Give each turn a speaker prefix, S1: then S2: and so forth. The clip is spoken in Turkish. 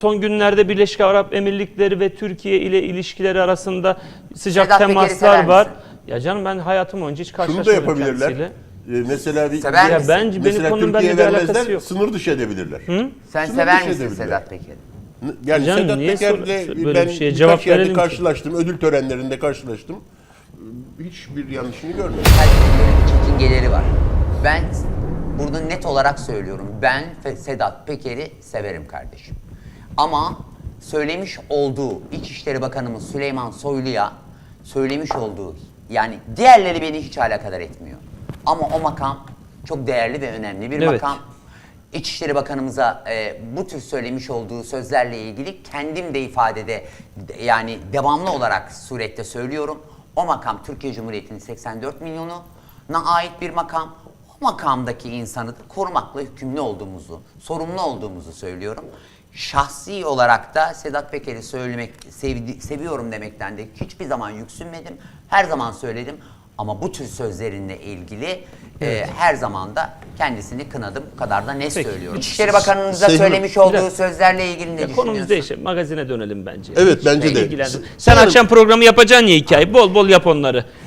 S1: son günlerde Birleşik Arap Emirlikleri ve Türkiye ile ilişkileri arasında sıcak
S2: Sedat Peker'i sever
S1: temaslar var.
S2: misin?
S1: Ya canım ben hayatım boyunca hiç
S3: Şunu
S1: karşılaşmadım
S3: da yapabilirler.
S1: kendisiyle.
S3: Mesela bir
S2: Sever
S1: Ya
S2: misin?
S1: bence benim
S3: mesela
S1: konunun
S3: Türkiye'ye
S1: benimle bir alakası
S3: vermezler,
S1: yok.
S3: sınır dışı edebilirler.
S2: Sen
S3: Sınır
S2: sever
S3: dışı
S2: misin
S3: edebilirler.
S2: Sedat Peker'i?
S3: Yani
S1: Canım,
S3: Sedat
S1: niye
S3: Peker'le
S1: böyle
S3: ben
S1: bir şeye
S3: birkaç
S1: cevap
S3: yerde
S1: verelim ki?
S3: karşılaştım, ödül törenlerinde karşılaştım. Hiçbir yanlışını görmedim.
S2: Herkesin bir çekingeleri var. Ben burada net olarak söylüyorum. Ben Sedat Peker'i severim kardeşim. Ama söylemiş olduğu İçişleri Bakanımız Süleyman Soylu'ya söylemiş olduğu, yani diğerleri beni hiç alakadar etmiyor. Ama o makam çok değerli ve önemli bir
S1: Evet.
S2: makam. İçişleri Bakanımıza bu tür söylemiş olduğu sözlerle ilgili kendim de ifadede yani devamlı olarak surette söylüyorum. O makam Türkiye Cumhuriyeti'nin 84 milyonuna ait bir makam. O makamdaki insanı da korumakla yükümlü olduğumuzu, sorumlu olduğumuzu söylüyorum. Şahsi olarak da Sedat Peker'i seviyorum demekten de hiçbir zaman yüksünmedim. Her zaman söyledim. Ama bu tür sözlerinle ilgili her zaman da kendisini kınadım. Bu kadar da net
S1: Peki.
S2: söylüyorum. İçişleri Bakanı'nıza
S3: Sayın-
S2: söylemiş olduğu
S1: Biraz-
S2: sözlerle ilgili ne
S1: Ya
S2: düşünüyorsun?
S1: konumuz değişir. Magazine dönelim bence.
S3: Evet,
S1: Hiç
S3: bence de.
S1: ilgilendim. Sen
S3: Sanırım-
S1: akşam programı yapacaksın ya hikaye. Bol bol yap onları.